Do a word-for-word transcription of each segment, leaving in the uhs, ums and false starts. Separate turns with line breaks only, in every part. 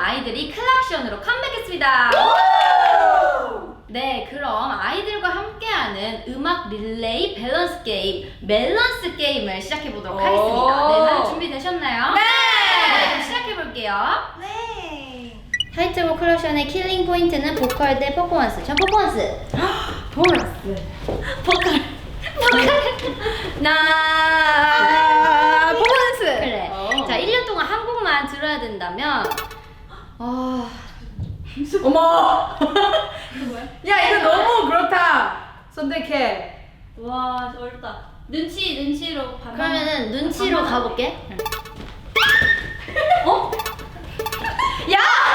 아이들이 클락션으로 컴백했습니다. 네, 그럼 아이들과 함께하는 음악 릴레이 밸런스 게임, 멜런스 게임을 시작해보도록 하겠습니다. 네, 다들 준비되셨나요?
네!
네, 그럼 시작해볼게요.
네.
타이틀곡 클락션의 킬링 포인트는 보컬 대 퍼포먼스. 전 퍼포먼스.
퍼포먼스.
보컬. 보컬.
나 퍼포먼스.
그래.
어.
자, 일 년 동안 한 곡만 들어야 된다면 어...
어머. 야, 이거 너무 그렇다. 선택해.
와, 어렵다. 눈치, 눈치로 반반.
그러면은 눈치로
반반.
가볼게.
어?
야!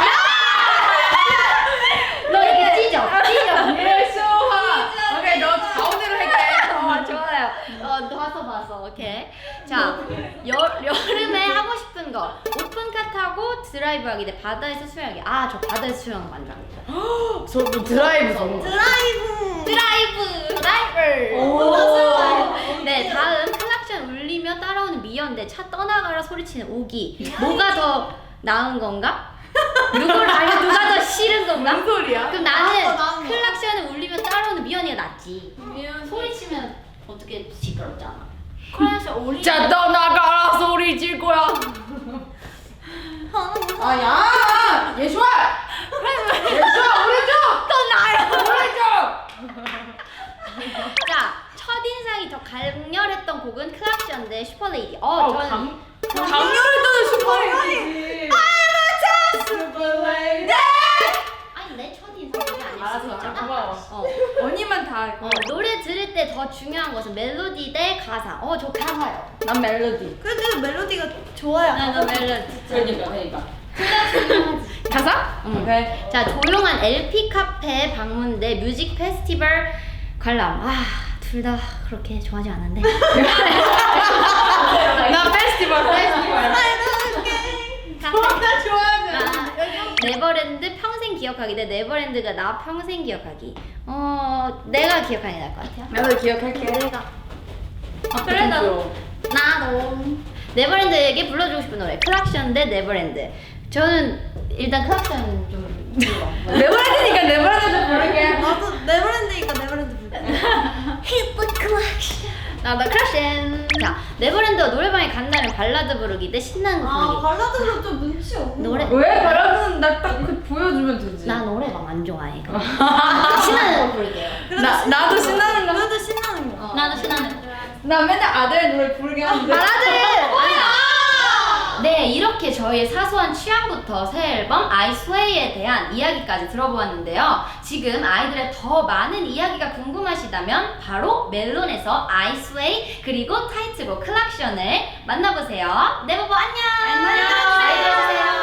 너 이렇게 찢어. 찢어.
예수아. 오케이, 너 가운데로 할게.
어, 좋아요. 어, 봤어, 봤어. 오케이. 자, 여, 여름에 하고 싶은 거. 오픈카 타고 드라이브 하기 대 바다에서 수영하기. 아, 저 바다에서 수영 완전.
저 드라이브 전문.
드라이브. 드라이브. 드라이브.
오.
네, 다음 클락션 울리며 따라오는 미연대 차 떠나가라 소리치는 오기. 뭐가 더 나은 건가? 누구를 아니 누가 더 싫은 건가?
무슨 소리야?
그럼 나는
나은 거, 나은 거.
클락션을 울리며 따라오는 미연이가 낫지.
미연
소리치면 어떻게 시끄럽잖아.
클락션 오리.
자, 떠나가라 소리 질 거야. 아, 야! 예수아! 예수아, 우리 좀!
또 나야.
우리 좀!
자, 첫인상이 더 강렬했던 곡은 클락션 대 슈퍼레이디. 어,
어,
저는
강, 강렬했던 슈퍼레이지. 슈퍼레이지.
아니 내 첫인상이 아닐 수도
알았어,
있잖아.
고마워.
어.
언니만 다 알고.
어, 노래 들을 때 더 중요한 것은 멜로디 대 가사. 어, 저 가사요.
난 멜로디.
그래도 멜로디가 좋아요.
나도 멜로디.
그러니까, 그러니까.
둘다 중요하지.
가사?
응.
오케이.
자, 조용한 엘피 카페 방문 대 뮤직 페스티벌 관람. 아, 둘 다 그렇게 좋아하지 않은데.
나 페스티벌, 페스티벌.
다
좋아하지.
아, 네버랜드 평생 기억하기 대 네버랜드가 나 평생 기억하기. 어, 내가 기억하는 게 나을 것 같아요.
나도 기억할게.
내가.
아,
그래, 나도.
귀여워.
나도. 네버랜드에게 불러주고 싶은 노래. 클락션 대 네버랜드. 저는 일단 클락션 좀 불러.
네버랜드니까 네버랜드 좀 부를게.
나도 네버랜드니까 네버랜드 부르.
Hit the collection. 나도 클락션. 자, 네버랜드가 노래방에 간다면 발라드 부르기 대 신나는 거
아
부르기.
발라드는 좀 눈치 없는.
노래.
왜 바라는 나딱 그 보여주면 되지.
나 노래방 안 좋아해. 신나는 거 부를게요.
나 나도 신나는 거.
그래도 신나는 거.
어. 나도 신나는 거.
나 맨날 아들 노래 부르게 하는데.
발라드. 아니야. 네, 이렇게 저희의 사소한 취향부터 새 앨범 I Sway에 대한 이야기까지 들어보았는데요. 지금 아이들의 더 많은 이야기가 궁금하시다면 바로 멜론에서 I Sway 그리고 타이틀곡 클락션을 만나보세요. 네버버 안녕.
안녕.
잘 들어주세요.